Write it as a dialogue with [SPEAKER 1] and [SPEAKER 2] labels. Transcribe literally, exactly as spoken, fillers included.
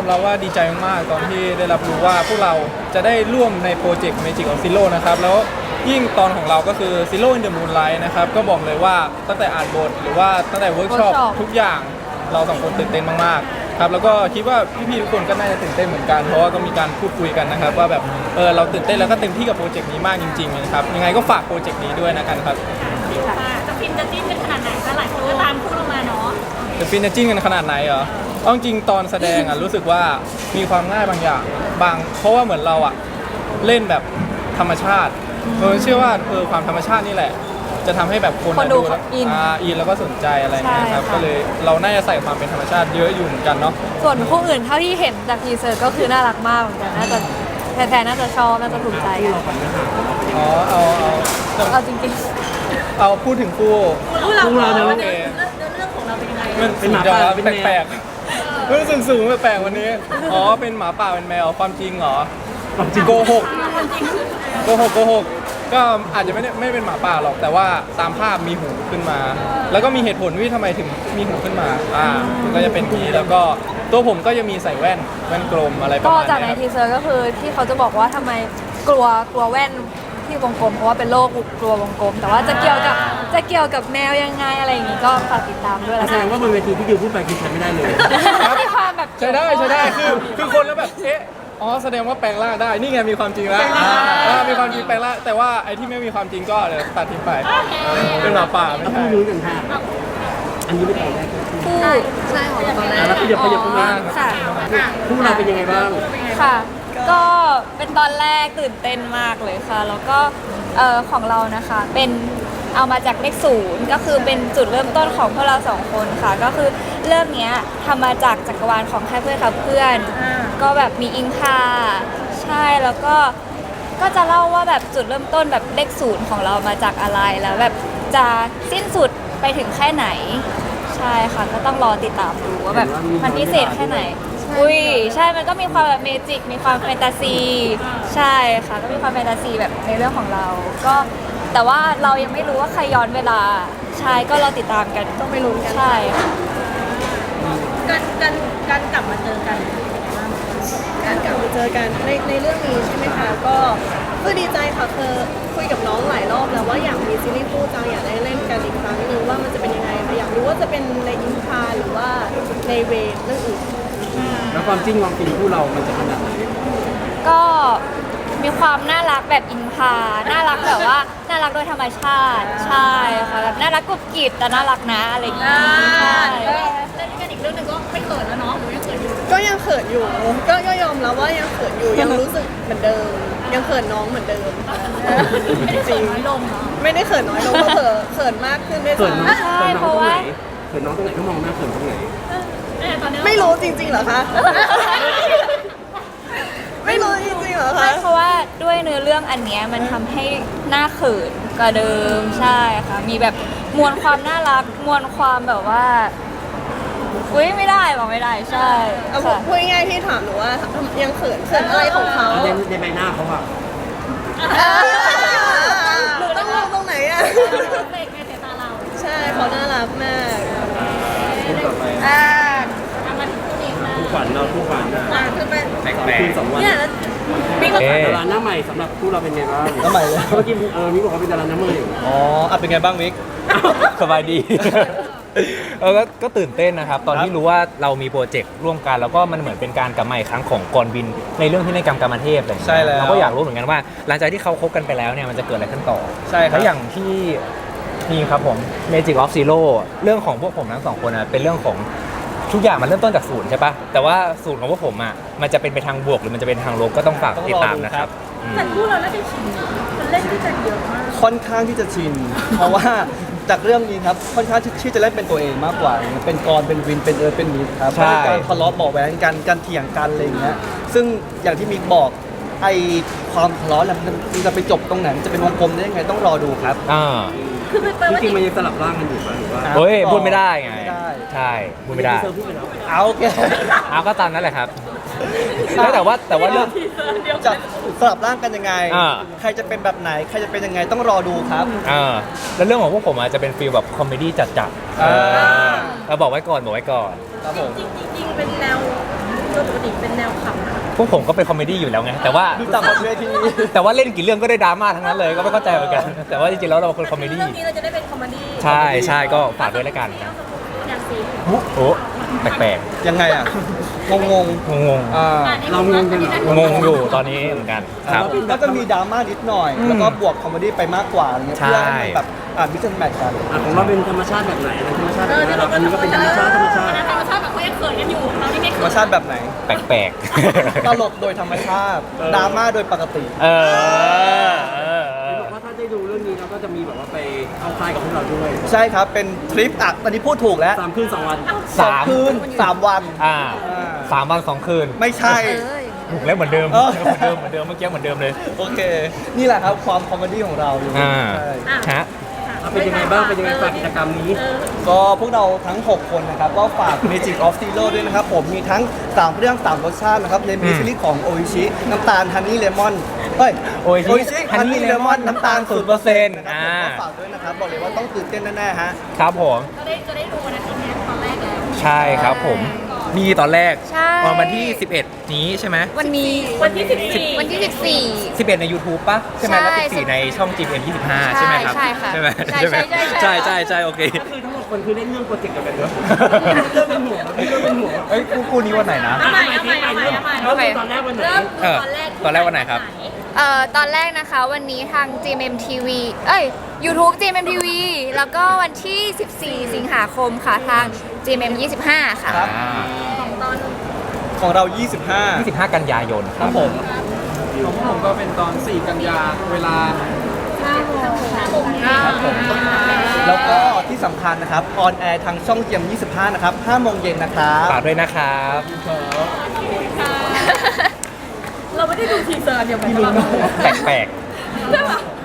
[SPEAKER 1] อมรับว่าดีใจมากๆตอนที่ได้รับรู้ว่าพวกเราจะได้ร่วมในโปรเจกต์ Magic of Zero นะครับแล้วยิ่งตอนของเราก็คือ Zero in the Moonlight นะครับก็บอกเลยว่าตั้งแต่อ่านบทหรือว่าตั้งแต่เวิร์กช็อปทุกอย่างเราสองคนตื่นเต้นมากๆครับแล้วก็คิดว่าพี่ๆทุกคนก็น่าจะตื่นเต้นเหมือนกันเพราะว่าก็มีการพูดคุยกันนะครับว่าแบบเออเราตื่นเต้นแล้วก็เต็มที่กับโปรเจกต์นี้มากจริงๆนะครับยังไงก็ฝากโปรเจกต์นี้ด้วยนะครับ
[SPEAKER 2] จะฟินจะจิ้นกันขนาดไหนก็หลายคนก็ตามพูดออกมาเนาะ
[SPEAKER 1] จะฟินจะจิ้นกันขนาดไหนเหรอเอาจริงตอนแสดงอ่ะรู้สึกว่ามีความง่ายบางอย่างบางเพราะว่าเหมือนเราอ่ะเล่นแบบธรรมชาติเออเชื่อว่าเออความธรรมชาตินี่แหละจะทำให้แบบคนดูแล้วอินอินแล้วก็สนใจอะไรเงี้ยครับก็เลยเราน่าจะใส่ความเป็นธรรมชาติเยอะอยู่เหมือนกันเนาะ
[SPEAKER 3] ส่วนคู่อื่นเท่าที่เห็นจากทีเซอร์ก็คือน่ารักมากเหมือนกันน่าจะแฟนๆน่าจะชอบน่าจะถูกใจกัน
[SPEAKER 1] อ๋อเอาเอา
[SPEAKER 3] เอาจริง
[SPEAKER 1] ๆเอาพูดถึงคู่
[SPEAKER 2] คู่เรา
[SPEAKER 1] เ
[SPEAKER 2] รื่องเรื่องของเราเป็นยังไง
[SPEAKER 1] มันเป็นหมาป่าเป็นแปลกๆมันสูงสูงแปลกๆวันนี้อ๋อเป็นหมาป่าเป็นแมวความจริงเหรอโกหกโกหกโกหกก็อาจจะไม่ได้ไม่เป็นหมาป่าหรอกแต่ว่าตามภาพมีหูขึ้นมาแล้วก็มีเหตุผลว่าทำไมถึงมีหูขึ้นมาอ่าก็จะเป็นนี้แล้วก็ตัวผมก็จะมีใส่แว่นแว่นกลมอะไรประมาณนี้
[SPEAKER 3] ก็จากในทีเซอร์ก็คือที่เขาจะบอกว่าทำไมกลัวกลัวแว่นที่วงกลมเพราะว่าเป็นโรคกลัววงกลมแต่ว่าจะเกี่ยวกับจะเกี่ยวกับแมวยังไงอะไรอย่างงี้ก็ฝากติดตามด้วยแล้ว
[SPEAKER 4] แสดงว่าบนเวทีที่ดิวพูดไปคือใช้ไม่ได้เลย
[SPEAKER 3] มีความแบบ
[SPEAKER 1] ใช้ได้ใช้ได้คือคือคนแล้วแบบเอ๊ะอ๋อแสดงว่าแปลงร่างได้นี่ไงมีความจริงแล้วมีความจริงแปลงร่างแต่ว่าไอ้ที่ไม่มีความจริงก็เดี๋ยวตัดทิ้งไปเป็นหมาป่าไม่ใช่
[SPEAKER 4] พูดรู้กันค่ะอันนี้ไม่ตอนแรก
[SPEAKER 3] คู่ใช่ของตอนแรก
[SPEAKER 4] แล้วขยับขยับขึ้นมา
[SPEAKER 3] ค่ะ
[SPEAKER 4] คู่เราเป็นยังไงบ้าง
[SPEAKER 3] ค่ะก็เป็นตอนแรกตื่นเต้นมากเลยค่ะแล้วก็เอ่อของเรานะคะเป็นเอามาจากเลขศูนย์ก็คือเป็นจุดเริ่มต้นของพวกเราสองคนค่ะก็คือเรื่องนี้ทำมาจากจักรวาลของแค่เพื่อนกับเพื่อนก็แบบมีอิงคาใช่แล้วก็ก็จะเล่าว่าแบบจุดเริ่มต้นแบบเลขศูนย์ของเรามาจากอะไรแล้วแบบจะสิ้นสุดไปถึงแค่ไหนใช่ค่ะก็ต้องรอติดตามดูว่าแบบมันพิเศษแค่ไหนอุ้ยใช่มันก็มีความแบบเมจิกมีความแฟนตาซีใช่ค่ะก็มีความแฟนตาซีแบบในเรื่องของเราก็แต่ว่าเรายังไม่รู้ว่าใครย้อนเวลาใช่ก็เราติดตามกันต้องไม่รู้กันใช่ค่ะ
[SPEAKER 2] การการการกลับมาเจอกัน
[SPEAKER 5] การกลับมาเจอกันในในเรื่องนี้ใช่ไหมคะก็คือดีใจค่ะคือคุยกับน้องหลายรอบแล้วว่าอยากมีซีรีส์คู่จังอยากได้เล่นกันอีกครั้งนึงว่ามันจะเป็นยังไงอยากรู้ว่าจะเป็นในอินคาหรือว่าในเวเรื่องอื่น
[SPEAKER 4] แล้วความจริงความฟินคู่เรามันจะขนาดไหน
[SPEAKER 3] ก็มีความน่ารักแบบอินคาน่ารักแบบว่าน่ารักโดยธรรมชาติใช่ค่ะแบบน่ารักกุบกิบแต่น่ารักนะอะไรอย่างเงี้ยใช่
[SPEAKER 2] เล่นกันอีกเรื่องนึงก็ไม่เขินแล้วเนาะหนูยังเขินอยู่
[SPEAKER 5] ก็ยังเขินอยู่ก็ก็ยอมรับว่ายังเขินอยู่ยังรู้สึกเหมือนเดิมยังเขินน้องเหมือนเดิม
[SPEAKER 2] ไม่ได้เขินน้อยลงเนาะ
[SPEAKER 5] ไม่ได้เขินน้อยลงก็เขินเขินมากขึ้นด้วยซ้
[SPEAKER 3] ำใช่เพราะว่า
[SPEAKER 4] เขินน้องตรงไหนก็มองหน้าเขินตรงไหน
[SPEAKER 5] ไม่รู้จริงๆเหรอคะไม่รู้จริงๆเหรอคะ
[SPEAKER 3] เพราะว่าด้วยเนื้อเรื่องอันเนี้ยมันทำให้หน้าเขินกว่าเดิมใช่ค่ะมีแบบมวลความน่ารักมวลความแบบว่าอุ้ยไม่ได้บอกไม่ได้ใช่
[SPEAKER 5] เอาพูดง่ายๆที่ถามหนูว่ายังเขินเขินอะไรของเขา
[SPEAKER 4] ในในใบหน้าเขาอะ
[SPEAKER 5] หนูต้องมองตรงไหนอะ
[SPEAKER 2] เด็กในสายตาเรา
[SPEAKER 5] ใช่เขาน่ารักมาก
[SPEAKER 2] อ่ามาถึงคู่นี้ค่ะ
[SPEAKER 4] คู่ขวัญเราคู่ขวัญนะ
[SPEAKER 2] คือเป็น
[SPEAKER 4] แปลกๆสองวัน
[SPEAKER 2] เนี่ย
[SPEAKER 4] มีดาราหน้าใหม่สำหรับคู่เราเป็นไงบ้าง
[SPEAKER 1] หน้าใหม่เลย
[SPEAKER 4] เมื่อกี้เออมิกบอกว่าเป็นดาราหน้าใหม่
[SPEAKER 1] อ๋ออ่ะเป็นไงบ้างมิก
[SPEAKER 6] สบายดีเออก็ตื่นเต้นนะครับตอนที่รู้ว่าเรามีโปรเจกต์ร่วมกันแล้วก็มันเหมือนเป็นการกลับมาอีกครั้งของกรวินในเรื่องที่ในกรรมกรรมเทพอะไรอย่างเงี้ยเราก็อยากรู้เหมือนกันว่าหลังจากที่เขาคบกันไปแล้วเนี่ยมันจะเกิดอะไรขึ้นต่อ
[SPEAKER 1] ใช่
[SPEAKER 6] แล้วอย่างที่นี่ครับผม Magic of Zero เรื่องของพวกผมทั้งสองคนนะเป็นเรื่องของทุกอย่างมันเริ่มต้นจากศูนย์ใช่ปะแต่ว่าศูนย์ของพวกผมอ่ะมันจะเป็นไปทางบวกหรือมันจะเป็นทางลบก็ต้องฝากติดตามนะครับ
[SPEAKER 2] แต่คู่เราน่าจะชินมันเล่นที่จะเยอะมาก
[SPEAKER 7] ค่อนข้างที่จะชินเพราะว่าจากเรื่องนี้ครับค่อนข้างที่จะเล่นเป็นตัวเองมากกว่าเป็นกรเป็นวินเป็นเอิร์ธเป็นมิดครับการทะเลาะเบาะแว้งกันการเถียงกันอะไรอย่างเงี้ยซึ่งอย่างที่มิกบอกไอความทะเลาะมันจะไปจบตรงไหนมันจะเป็นวงกลมได้ยังไงต้องรอดูครับ
[SPEAKER 6] อ่า
[SPEAKER 4] จริงๆมันยังสลับร่างกันอยู่ป่ะหรือว่า
[SPEAKER 6] เฮ้ยพูดไม่ได้ไงใช่พูดไม่ได้
[SPEAKER 7] เอาโอเค
[SPEAKER 6] เอาก็ตามนั้นแหละครับแต่ว่าแต่ว่าเรื่อง
[SPEAKER 7] จะสลับร่างกันยังไงใครจะเป็นแบบไหนใครจะเป็นยังไงต้องรอดูครับ
[SPEAKER 6] อ่าแล้วเรื่องของพวกผมอาจจะเป็นฟีลแบบคอมเมดี้จัดๆเราบอกไว้ก่อนบอกไว้ก่อน
[SPEAKER 2] ครับผมจริงๆเป็นแนว
[SPEAKER 5] โดยปกติเป็นแนวขำนะ
[SPEAKER 6] พวกผมก็เป็นคอมเมดี้อยู่แล้วไงแต่ว่า
[SPEAKER 7] ดูจากบนเวที
[SPEAKER 6] แต่ว่าเล่นกี่เรื่องก็ได้ดราม่าทั้งนั้นเลยก็ไม่เข้าใจเหมือนกัน แต่ว่าจริงๆแล้วเราเป็นคอมเมดี้
[SPEAKER 5] เรื่องนี้เราจะได้เป็นคอมเมดี้
[SPEAKER 6] ใช่ใช่ก็ฝากด้วยแล้วกันนะ
[SPEAKER 2] อย่างสี
[SPEAKER 6] โอ้แปลก
[SPEAKER 7] ยังไงอ่ะ งงง
[SPEAKER 6] ๆงง
[SPEAKER 7] ๆอ่า
[SPEAKER 4] เรางงกันเหรอ
[SPEAKER 6] ๆงงอยู่ตอนนี้เหมือนกันครับ
[SPEAKER 7] ก็จะมีดราม่านิดหน่อย แล้วก็บวกคอมเมดี้ไปมากกว่าอะไรเงี้ย
[SPEAKER 6] ใช่
[SPEAKER 7] เพื่อให้มันแบบอ่ามิกซ์แมทกัน
[SPEAKER 4] อ่ะของเราเป็นธรรมชาติแบบไหนธรรมชาติแบบไหนเราอันนี้ก็เป็นธรรมชาติธรรมชาติ
[SPEAKER 2] ธรรมชาติแบบเขายังเขินกันอยู่เรานี่ไม่
[SPEAKER 7] ธร
[SPEAKER 2] เขิ
[SPEAKER 7] รม
[SPEAKER 2] น
[SPEAKER 7] ชาติแบบไหน
[SPEAKER 6] แปลกๆ
[SPEAKER 7] ตลกโดยธรรมชาติ ดราม่าโดยปกติ
[SPEAKER 6] เออเออเอ
[SPEAKER 4] เห็น
[SPEAKER 6] อ
[SPEAKER 4] บอกว่าถ้าได้ดูเรื่องนี้เราก็จะมีแบบว่าไปเอาคลายกับพวกเราด้วย
[SPEAKER 7] ใช่ครับ เป็นทริปอ่ะตอนนี้พูดถูกแล้ว
[SPEAKER 4] สามคืนสองวัน
[SPEAKER 7] สองคืนสามวัน
[SPEAKER 6] อ่าสามวันสองคืน
[SPEAKER 7] ไม่ใช่
[SPEAKER 6] ถูกแล้วเหมือนเดิม
[SPEAKER 7] เออ
[SPEAKER 6] เหมือนเดิมเหมือนเดิมเมื่อกี้เหมือนเดิมเลย
[SPEAKER 7] โอเค นี่แหละครับความคอมเมดี้ของเราอยู่
[SPEAKER 6] อ่า
[SPEAKER 7] ใช่
[SPEAKER 6] ฮะ
[SPEAKER 4] เอาเป็นยังไงบ้างเป็นยังไงฝากกิจกรรมนี้
[SPEAKER 7] ก็พวกเราทั้ง หก คนนะครับ ก็ฝาก Magic of Zero ด้วยนะครับ ผมมีทั้ง สาม เรื่อง สาม รสชาตินะครับ ในมิซิลิของโออิชิ น้ำตาลฮันนี่เลมอนเฮ้ย
[SPEAKER 6] Oishi Honey Lemon
[SPEAKER 7] น้ำตาล
[SPEAKER 6] ศูนย์เปอร์เซ็นต์
[SPEAKER 7] นะครับ
[SPEAKER 6] อ่า
[SPEAKER 7] ผมก็ฝากด้วยนะครับ บอกเลยว่าต้องตื่นเต้นแน่ๆฮะ
[SPEAKER 6] ครับผม
[SPEAKER 2] จะได้จะได้ดูวันอาทิตย์เนี้ยตอนแรกแล้ว
[SPEAKER 6] ใช่ครับผมนี่ตอนแรก
[SPEAKER 3] ใช่
[SPEAKER 6] ตอนวันที่ สิบเอ็ด นี้ใช่ไหม
[SPEAKER 3] วันนี้
[SPEAKER 2] วันที่สิบสี่
[SPEAKER 3] วันที่สิบสี่
[SPEAKER 6] สิบเอ็ดใน YouTube ป่ะ ใช่ไหมแล้ว
[SPEAKER 3] ใช่
[SPEAKER 6] สิบสี่ในช่อง จี เอ็ม ยี่สิบห้า
[SPEAKER 3] ใช่
[SPEAKER 6] ใช่ไหมครับ
[SPEAKER 3] ใช่ค่ะ
[SPEAKER 6] ใช่ไหม
[SPEAKER 3] ใช่
[SPEAKER 6] ใช่ไหม
[SPEAKER 3] ใช่ใช่
[SPEAKER 6] ใช่ใช่ใช่โอเค
[SPEAKER 4] ก็คือทั้งหมดคนคือเล่นเรื่องโปรเจกต์เดียวกันเนอะเริ่มเป็นหัวพี่เริ่มเป็นหัว
[SPEAKER 6] เอ้ยคู่คู่นี้วันไหนนะ
[SPEAKER 2] เอาใหม่เอาใหม่เอาใหม่เอาใหม่
[SPEAKER 4] เริ่มเป็นตอนแรกวันไหน
[SPEAKER 2] เริ่ม
[SPEAKER 6] เออ
[SPEAKER 2] ตอนแรก
[SPEAKER 6] ตอนแรกวันไหนครับ
[SPEAKER 3] เอ่อตอนแรกนะคะวันนี้ทาง จี เอ็ม เอ็ม ที วี เอ้ย YouTube จี เอ็ม เอ็ม ที วี แล้วก็วันที่ สิบสี่ สิงหาคมค่ะทาง จี เอ็ม เอ็ม ยี่สิบห้า ค่ะ
[SPEAKER 7] ครับ
[SPEAKER 6] อ่า
[SPEAKER 2] ตอน
[SPEAKER 7] ของเรา ยี่สิบห้า
[SPEAKER 6] ยี่สิบห้า กันยายนครับ
[SPEAKER 7] ผม
[SPEAKER 1] ของผมก็เป็นตอน สี่ กันยาเวลา
[SPEAKER 7] แล้วก็ที่สำคัญนะครับ ออนแอร์ทางช่องเจียม ยี่สิบห้า นะครับ ห้า โมงเย็นนะครับ
[SPEAKER 6] ฝากด้วยนะครับ
[SPEAKER 2] เราไม่ได้ดูทีเซอร์เดียวกัน
[SPEAKER 6] แปลกๆ
[SPEAKER 2] ใช่ปะ